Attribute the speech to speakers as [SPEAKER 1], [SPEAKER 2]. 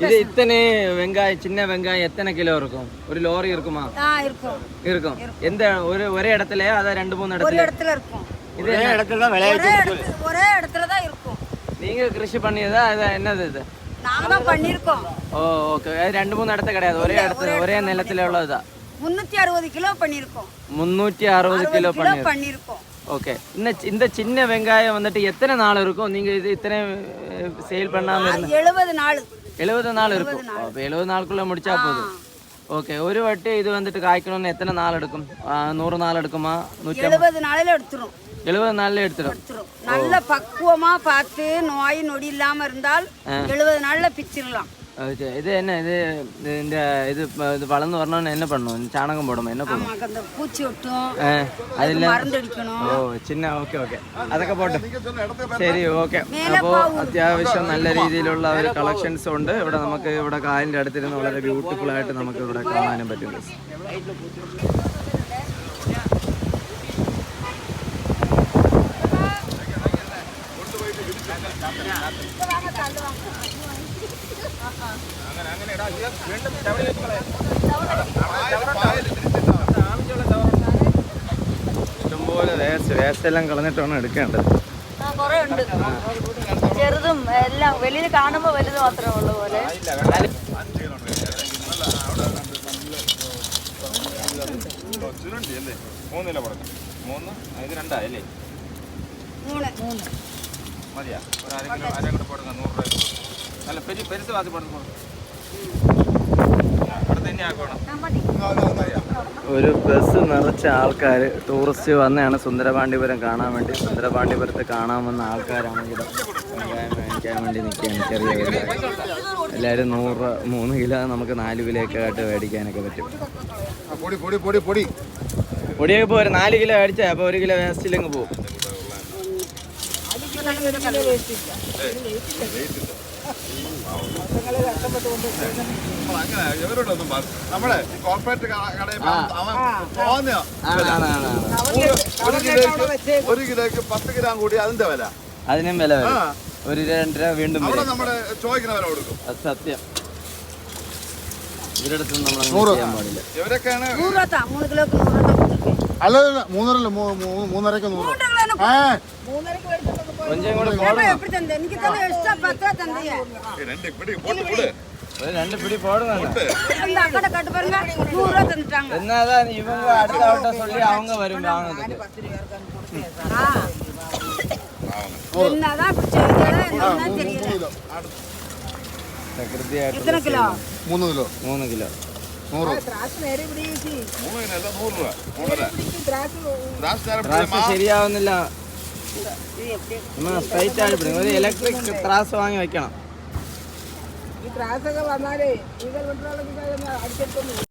[SPEAKER 1] இது இத்தனை வெங்காயம், சின்ன வெங்காயம் எத்தனை கிலோ இருக்கும்? ஒரு லோரி இருக்குமா? இருக்கும். எந்த ஒரே இடத்துலயா? அத 2-3 இடத்துல?
[SPEAKER 2] ஒரு இடத்துல இருக்கும்.
[SPEAKER 1] ஒரே இடத்துல தான் விளையாட்டு.
[SPEAKER 2] ஒரே இடத்துல தான் இருக்கும்.
[SPEAKER 1] நீங்க கிருஷி பண்ணியதா? அது என்னது இது?
[SPEAKER 2] நாங்க தான் பண்ணிருக்கோம்.
[SPEAKER 1] ஓ ஓகே. 2-3 இடத்துல கிடையாது, ஒரே இடத்துல ஒரே நிலத்துல உள்ளதா?
[SPEAKER 2] 360 கிலோ பண்ணிருக்கோம்.
[SPEAKER 1] 360 கிலோ
[SPEAKER 2] பண்ணிருக்கோம்.
[SPEAKER 1] ஓகே. இந்த சின்ன வெங்காயம் வந்துட்டு எத்தனை நாள் இருக்கும்? நீங்க இது இத்தனை சேல் பண்ணாம
[SPEAKER 2] 70 நாள்.
[SPEAKER 1] 70 நாள் இருக்கும். அப்ப 70 நாளுக்குள்ள முடிச்சா போதும். ஓகே. ஒரு வட்டி இது வந்துட்டு காய்க்கணும்னு எத்தனை நாள் எடுக்கும்? 100 நாள் எடுக்குமா?
[SPEAKER 2] 70 நாளில எடுத்துரும்.
[SPEAKER 1] 70 நாள்ல எடுத்துரும்.
[SPEAKER 2] நல்ல பக்குவமா பார்த்து நோய் நொடி இல்லாம இருந்தால் 70 நாள்ல பிச்சிடலாம்.
[SPEAKER 1] இது என்ன இது இந்த இது வளர்ந்து வரணும்னு என்ன பண்ணணும்? சாணகம் போடணும், என்ன பண்ணணும்?
[SPEAKER 2] அந்த பூச்சி ஒட்டும்,
[SPEAKER 1] அதில்
[SPEAKER 2] மருந்து அடிக்கணும்.
[SPEAKER 1] ஓ சின்ன ഓക്കെ അതൊക്കെ പോട്ടെ. ശരി ഓക്കെ. അപ്പോൾ അത്യാവശ്യം നല്ല രീതിയിലുള്ള ഒരു കളക്ഷൻസ് ഉണ്ട് ഇവിടെ. നമുക്ക് ഇവിടെ കായലിൻ്റെ അടുത്തിരുന്ന് വളരെ ബ്യൂട്ടിഫുൾ ആയിട്ട് നമുക്ക് ഇവിടെ കാണാനും പറ്റും. ഇഷ്ടംപോലെ വേസ്റ്റ് എല്ലാം കളഞ്ഞിട്ടാണ് എടുക്കേണ്ടത്.
[SPEAKER 2] ചെറുതും എല്ലാം വെളിയിൽ കാണുമ്പോൾ വലുത് മാത്രമേ ഉള്ളൂ പോലെ.
[SPEAKER 1] ഒരു ബസ് നിറച്ച ആൾക്കാർ ടൂറിസ്റ്റ് വന്നതാണ് സുന്ദരപാണ്ഡിപുരം കാണാൻ വേണ്ടി. സുന്ദരപാണ്ഡിപുരത്ത് കാണാൻ വന്ന ആൾക്കാരാണ് ഇവിടെ വെങ്കായം മേടിക്കാൻ വേണ്ടി നിൽക്കുകയാണ്. ചെറിയ വെങ്കായം എല്ലാവരും 3 കിലോ നമുക്ക് 4 കിലോ ഒക്കെ ആയിട്ട് മേടിക്കാനൊക്കെ പറ്റും. പൊടിയൊക്കെ ഇപ്പോൾ ഒരു 4 കിലോ മേടിച്ചാൽ അപ്പോൾ 1 കിലോ വേസ്റ്റിലങ്ങ് പോകും.
[SPEAKER 3] ഒരു കിലോക്ക് 10 ഗ്രാം കൂടി അതിന്റെ വില,
[SPEAKER 1] അതിനും വില വരും. 1-2 രൂപ വീണ്ടും
[SPEAKER 3] നമ്മള് ചോദിക്കുന്ന വില കൊടുക്കും.
[SPEAKER 1] സത്യം. ഇവരുടെ അടുത്ത് നമ്മൾ ചെയ്യാൻ പാടില്ല.
[SPEAKER 3] ഇവരൊക്കെയാണ്
[SPEAKER 2] 3 കിലോക്ക് 100
[SPEAKER 3] അല്ല 3 3.5 100
[SPEAKER 1] கொஞ்சம் கூட போடுங்க.
[SPEAKER 2] എനിക്ക് തന്നെ എക്സ്ട്രാ 10 തന്നേ.
[SPEAKER 1] 2 பிடி போடுங்க.
[SPEAKER 2] அந்த அக்கட கட்டு பாருங்க 100 தந்துட்டாங்க.
[SPEAKER 1] என்னதான் இவங்க அடுத்த ஆட்ட சொல்லி அவங்க வரும் வாங்குறதுக்கு.
[SPEAKER 2] என்னதான் பிடிச்சது என்னன்னா தெரியல.
[SPEAKER 1] പ്രകൃതിയായിട്ട്
[SPEAKER 2] എത്ര കിലോ?
[SPEAKER 3] 3 kilo
[SPEAKER 1] 3 kilo
[SPEAKER 3] 100.
[SPEAKER 1] ത്രാസ് ശരിയാവുന്നില്ല. നമ്മൾ സ്ട്രൈറ്റ് ആയിട്ട് പിടിക്കും. ഒരു ഇലക്ട്രിക് ത്രാസ് വാങ്ങി വെക്കണം.
[SPEAKER 4] ഈ ത്രാസൊക്കെ വന്നാലേ